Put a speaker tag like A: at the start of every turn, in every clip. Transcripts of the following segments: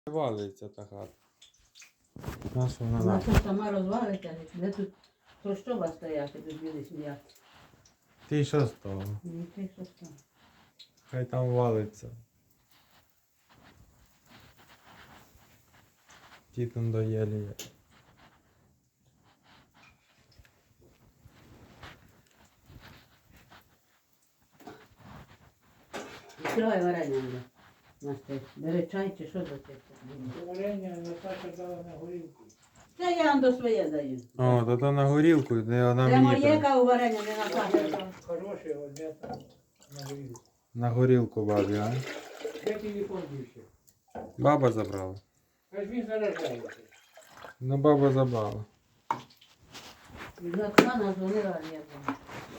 A: Валиться та хата. Наша вона
B: Вона
A: нахуй.
B: тут сама розвалиться, де тут трощоба стояти, тут білий сидять.
A: Ти що з того?
B: Ну ти що там?
A: Хай там валиться. Ті там доєлі.
B: Відкривай варення вже. Настя, бери чай чи що за це?
C: Варення Наташа дала на горілку.
B: Це я вам до своє даю.
A: О, то то на горілку, де вона
B: Це
A: мені
B: моє
A: треба.
B: каву варення, не Наташа.
C: Там хороше, одне там на горілку.
A: На горілку бабі, а?
C: Де телефон дівся?
A: Баба забрала.
C: Аж він заражається.
A: Ну баба забрала.
B: Від Оксана дзвонила, а я там.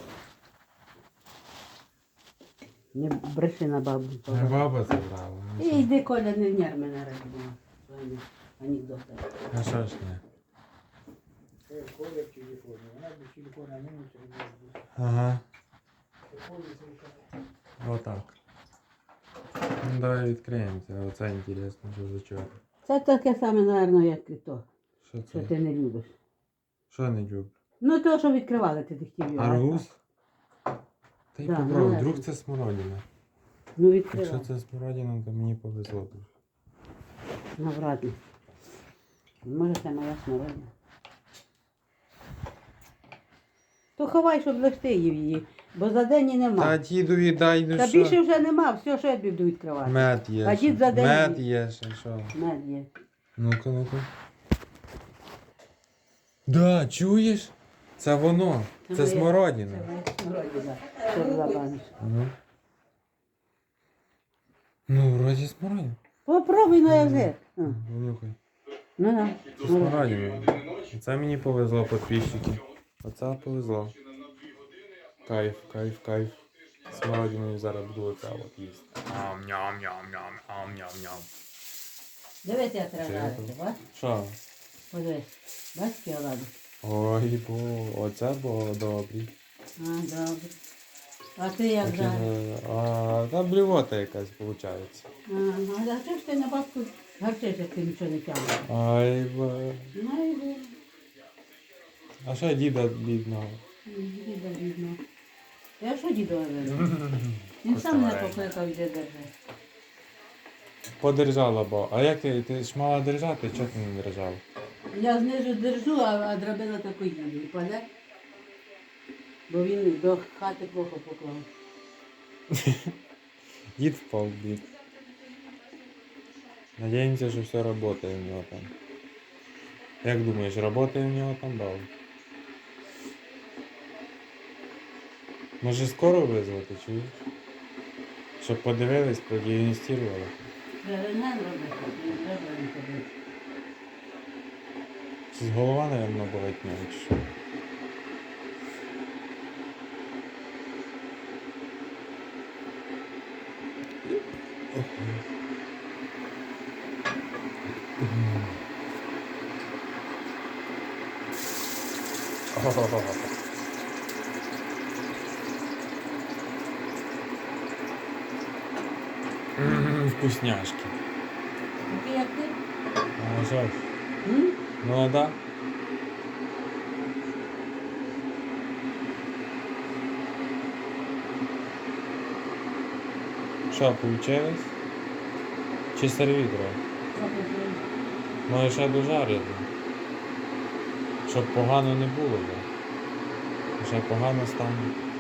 B: Не бреши на бабу.
A: Не баба забрала.
B: І йди, Коля, не нерв мене розбила. Своїми анекдотами.
A: А що ж не?
C: Це Коля в телефоні. Вона без телефона минуться і не буде.
A: Ага.
C: Коля зайшла.
A: Отак. Ну давай відкриємося. Оце інтересно, що за чого.
B: Це таке саме, мабуть, як і то,
A: Що
B: що
A: це?
B: ти не любиш.
A: Що не люблю?
B: Ну, то, що відкривали, ти хотів його.
A: Арбуз? Та й
B: Да,
A: попробуй,
B: ну,
A: вдруг
B: я-
A: це смородина.
B: Ну,
A: Якщо
B: відкривай.
A: це смородина, то мені повезло дуже.
B: Навряд ли. Може, це моя смородина. То ховай, щоб лишти її, бо за день і
A: Та
B: нема.
A: дідові дай, ну
B: Та
A: що?
B: більше вже нема, все, що я буду відкривати.
A: Мед є.
B: А
A: ще.
B: дід за день
A: Мед
B: їсть.
A: є ще, що?
B: Мед є.
A: Ну-ка, ну-ка. Да, чуєш? Це воно. Це
B: моє-
A: смородина.
B: Це моя смородина. Що за баночка.
A: Ну. Ну, вроді смородина.
B: Попробуй на язик.
A: Понюхай.
B: Ну, на.
A: Це смородина. Це мені повезло, підписчики. Оце повезло. Кайф, кайф, кайф. Смородиною зараз буду оце от їсти. Ам-ням-ням-ням, ам-ням-ням.
B: Дивись, як треба
A: Це
B: жарити, бач?
A: Що?
B: Подивись. Бач, які олади?
A: Ой, оце було добрі.
B: А, добре. А ти як
A: Такі,
B: жариш?
A: та блювота якась виходить.
B: Ага, а чого ж ти на бабку гарчиш, як ти нічого не тягнеш?
A: Ай, ба.
B: Ну, йди.
A: А що діда бідного?
B: Діда бідно. Я що діду говорю? Він сам мене покликав, йде держи.
A: Подержала, бо. А як ти ж мала держати, чого ти не держав?
B: Я знизу держу, а драбина таку їду. І паде. Бо він до хати плохо поклав.
A: Дід впав в бік. Надіємося, що все працює в нього там. Як думаєш, працює в нього там бал? Може скоро визвати, чуєш? Щоб подивились, продіагностували.
B: Треба рентген робити, не треба не ходити.
A: З голова, мабуть, болить в нього, чи що? Вкусняшки.
B: Такий як ти?
A: А що ж?
B: М?
A: Ну а да. Що, получилось? Чи сервітро?
B: Що ти зробив?
A: Може ще дожарити. Щоб погано не було. Бо ще погано стане.